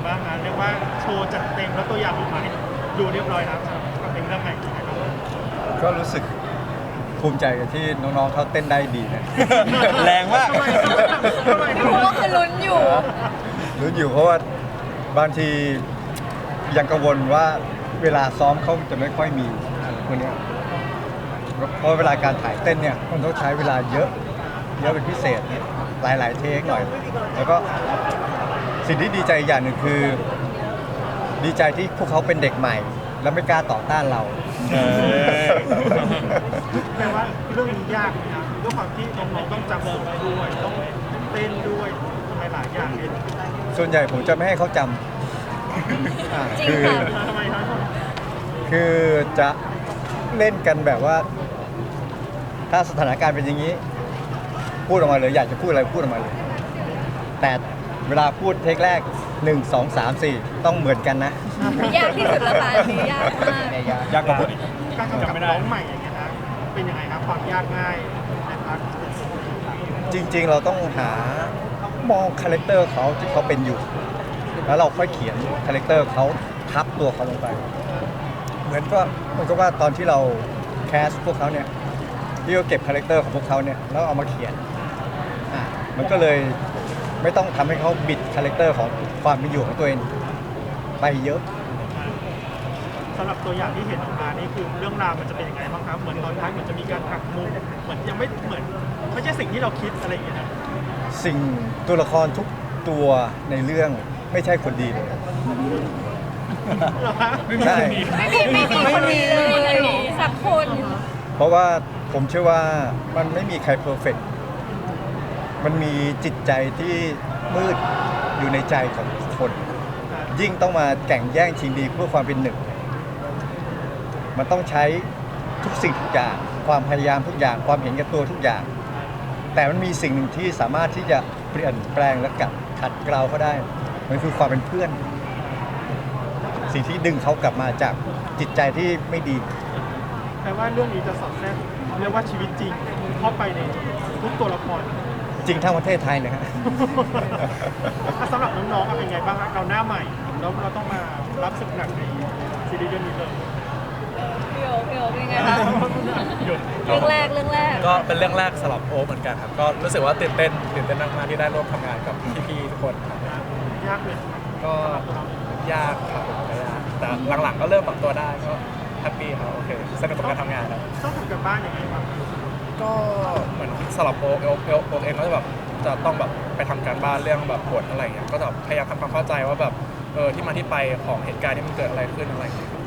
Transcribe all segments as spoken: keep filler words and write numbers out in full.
บ้างนะเรียกว่าโชว์จัดเต็มแล้วตัวอย่างออกมาให้ดูเรียบร้อยแล้วกับเพลงเรื่องใหม่นะครับก็รู้สึกภูมิใจกับที่น้องๆเขาเต้นได้ดีนะแรงมากทำไมเพราะว่าคือลุ้นอยู่รู้อยู่เพราะว่าบางทียังกังวลว่าเวลาซ้อมเขาจะไม่ค่อยมีคนเนี้ยเพราะเวลาการถ่ายเต้นเนี่ยมันต้องใช้เวลาเยอะเยอะเป็นพิเศษเนี่ยหลายๆเทคหน่อย แล้วก็สิ่งที่ดีใจอย่างหนึ่งคือ ดีใจที่พวกเขาเป็นเด็กใหม่ แล้วไม่กล้าต่อต้านเราเออแปลว่าเรื่องนี้ยากนะด้วยความที่น้องๆต้องจำบทด้วยต้องเต้นด้วยทำไมหลายอย่างเลยส่วนใหญ่ผมจะไม่ให้เขาจำอ่าจริงคือค่ะทำไมครับคือจะเล่นกันแบบว่า ถ้าสถานการณ์เป็นอย่างนี้ พูดออกมาเลยอยากจะพูดอะไรพูดออกมาเลย แต่เวลาพูดเทคแรกหนึ่ง สอง สาม สี่ต้องเหมือนกันนะยากที่สุดแล้วค่ะอันนี้ยากมากยากกว่าผมอีกการกำกับน้องใหม่อย่างเงี้ยนะเป็นยังไงครับความยากง่ายนะครับจริงๆ เราต้องหามองคาแรคเตอร์เขาที่เขาเป็นอยู่ แล้วเราค่อยเขียนคาแรคเตอร์เขาทับตัวเขาลงไป เหมือนก็เหมือนกับว่าตอนที่เราแคสพวกเขาเนี่ยที่เราเก็บคาแรคเตอร์ของพวกเขาเนี่ยแล้วเอามาเขียนอ่ะมันก็เลยไม่ต้องทำให้เขาบิดคาแรคเตอร์ของความเป็นอยู่ของตัวเองไปเยอะสำหรับตัวอย่างที่เห็นออกมานี่คือเรื่องราวมันจะเป็นยังไงบ้างครับเหมือนตอนท้ายเหมือนจะมีการหักมุมเหมือนยังไม่เหมือนไม่ใช่สิ่งที่เราคิดอะไรอย่างเงี้ยนะสิ่งตัวละครทุกตัวในเรื่องไม่ใช่คนดีเลยเหรอฮะใช่ไม่มีไม่มีคนดีเลยสักคนเพราะว่าผมเชื่อว่ามันไม่มีใครเพอร์เฟกต์มันมีจิตใจที่มืดอยู่ในใจของทุกคน ยิ่งต้องมาแข่งแย่งชิงดีเพื่อความเป็นหนึ่ง มันต้องใช้ทุกสิ่งทุกอย่าง ความพยายามทุกอย่าง ความเห็นแก่ตัวทุกอย่าง แต่มันมีสิ่งหนึ่งที่สามารถที่จะเปลี่ยนแปลงและกัดขัดเกลาเขาได้ มันคือความเป็นเพื่อน สิ่งที่ดึงเขากลับมาจากจิตใจที่ไม่ดีแปลว่าเรื่องนี้จะสอดแทรกเรียกว่าชีวิตจริงเข้าไปในทุกตัวละครจริงทั้งประเทศไทยเลยครับอ่ะสำหรับน้องๆอ่ะเป็นไงบ้างครับเราหน้าใหม่แล้วเราต้องมารับศึกหนักในซีรีส์เรื่องนี้เลยพี่โอพี่โอเป็นไงคะหยุดเรื่องแรกเรื่องแรกก็เป็นเรื่องแรกสำหรับโอเหมือนกันครับ ก็รู้สึกว่าตื่นเต้นตื่นเต้นมากๆที่ได้ร่วมทำงานกับพี่ๆทุกคนครับยากเลยก็ยากครับผมก็ยากแต่หลังๆก็เริ่มปรับตัวได้ก็แฮปปี้ครับโอเคสนุกกับการทำงานครับต้องทำกันบ้านยังไงบ้างก็เหมือนสำหรับโอโอโอโอเองก็จะแบบจะต้องแบบไปทำการบ้านเรื่องแบบบทอะไรอย่างเงี้ยก็จะพยายามทำความเข้าใจว่าแบบเออที่มาที่ไปของเหตุการณ์ที่มันเกิดอะไรขึ้นอะไรอย่างเงี้ยครับ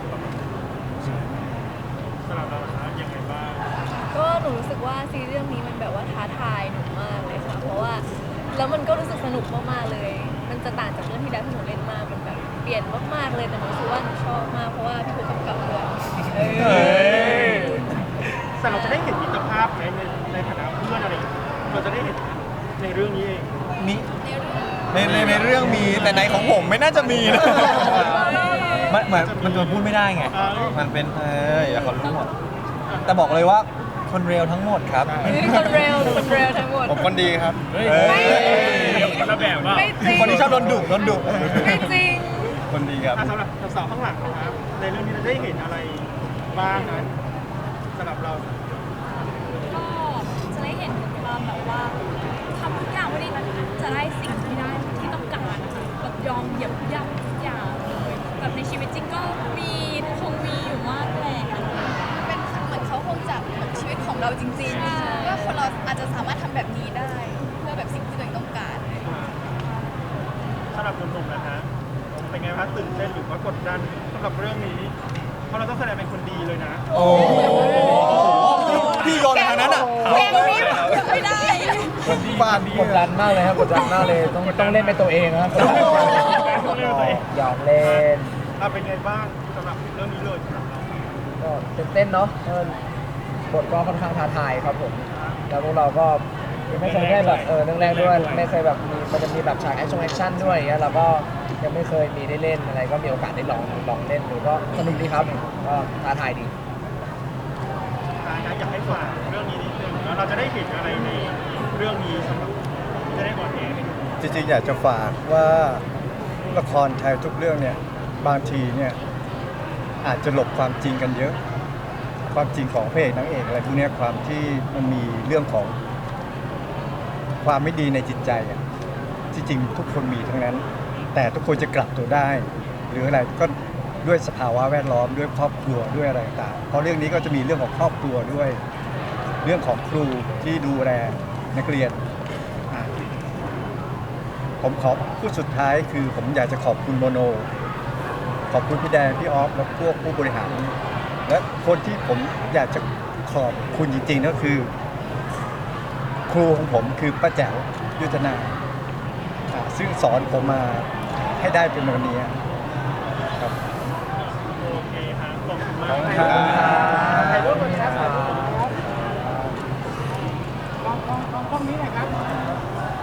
สำหรับเรานะยังไงบ้างก็หนูรู้สึกว่าซีรีส์เรื่องนี้มันแบบว่าท้าทายหนูมากเลยค่ะ เพราะว่าแล้วมันก็รู้สึกสนุกมากๆเลย มันจะต่างจากเรื่องที่แล้วที่หนูเล่นมากมันแบบเปลี่ยนมากๆเลยแต่หนูรู้สึกว่าหนูชอบมากเพราะว่าพี่ภูกำกับด้วยเออแต่เราจะได้เห็นมิตรภาพในในในฐานะเพื่อนอะไรอย่างเงี้ยเราจะได้เห็นในเรื่องนี้เองมีในในในเรื่องมีแต่ในของผมไม่น่าจะมีนะมันเหมือนมันโดนพูดไม่ได้ไง มันเป็นเอออย่าเขารู้หมดแต่บอกเลยว่าคนเร็วทั้งหมดครับมีคนเร็วคนเร็วทั้งหมดผมคนดีครับไม่ระแบบว่าไม่จริงคนที่ชอบโดนดุโดนดุไม่จริงคนดีครับอ่ะสำหรับสาวๆข้างหลังนะครับในเรื่องนี้เราได้เห็นอะไรบ้างนะสำหรับเราก็จะได้เห็นความแบบว่าทำทุกอย่างไว้ดีจะได้สิ่งที่ได้ที่ต้องการนะคะแบบยอมเหยียบย่ำทุกอย่างเลยแบบในชีวิตจริงก็มีคงมีอยู่มากแหละเป็นเหมือนเขาคงจับเหมือนชีวิตของเราจริงๆว่าคนเราอาจจะสามารถทำแบบนี้ได้ เพื่อแบบสิ่งที่ตัวเองต้องการสำหรับหนุ่มๆนะฮะเป็นไงครับตื่นเต้นหรือว่ากดดันสำหรับเรื่องนี้ เพราะเราต้องแสดงเป็นคนดีเลยนะโอ้พี่โยนทางนั้นอ่ะเกมนี้ไม่ได้ฟาดกดดันมากเลยครับกดดันมากเลยต้องต้องเล่นเป็นตัวเองนะครับหยอกเล่นเราเป็นไงบ้างสำหรับเรื่องนี้เลยสำหรับเราก็ตื่นเต้นเนาะเออบทก็ค่อนข้างท้าทายครับผมแล้วพวกเราก็ยังไม่เคยได้แบบเออเรื่องแรกด้วยไม่เคยแบบมีมันจะมีแบบฉากแอคชั่นแอคชั่นด้วยอย่างเงี้ยเราก็ยังไม่เคยมีได้เล่นอะไรก็มีโอกาสได้ลองลองเล่นดูก็สนุกดีครับก็ท้าทายดีท้ายนะอยากให้ฝากเรื่องนี้นิดนึงแล้วเราจะได้เห็นอะไรในเรื่องนี้สำหรับจะได้ออนแอร์ให้ดูจริงๆอยากจะฝากว่าละครไทยทุกเรื่องเนี่ยบางทีเนี่ยอาจจะหลบความจริงกันเยอะ ความจริงของพระเอกนางเอกอะไรพวกเนี้ยความที่มันมีเรื่องของความไม่ดีในจิตใจอะที่จริงทุกคนมีทั้งนั้น แต่ทุกคนจะกลับตัวได้ หรืออะไรก็ด้วยสภาวะแวดล้อมด้วยครอบครัวด้วยอะไรต่างๆเพราะเรื่องนี้ก็จะมีเรื่องของครอบครัวด้วย เรื่องของครูที่ดูแลนักเรียนอ่ะผมขอพูดสุดท้ายคือผมอยากจะขอบคุณโมโน ขอบคุณพี่แดงพี่ออฟและพวกผู้บริหาร และคนที่ผมอยากจะขอบคุณจริงๆก็คือ ครูของผมคือป้าแจ๋วยุทธนาอ่ะซึ่งสอนผมมาให้ได้เป็นวันนี้ครับโอเคครับขอบคุณมากขอบคุณครับถ่ายรูปกันนะครับกล้องกล้องกล้องนี้หน่อยครับ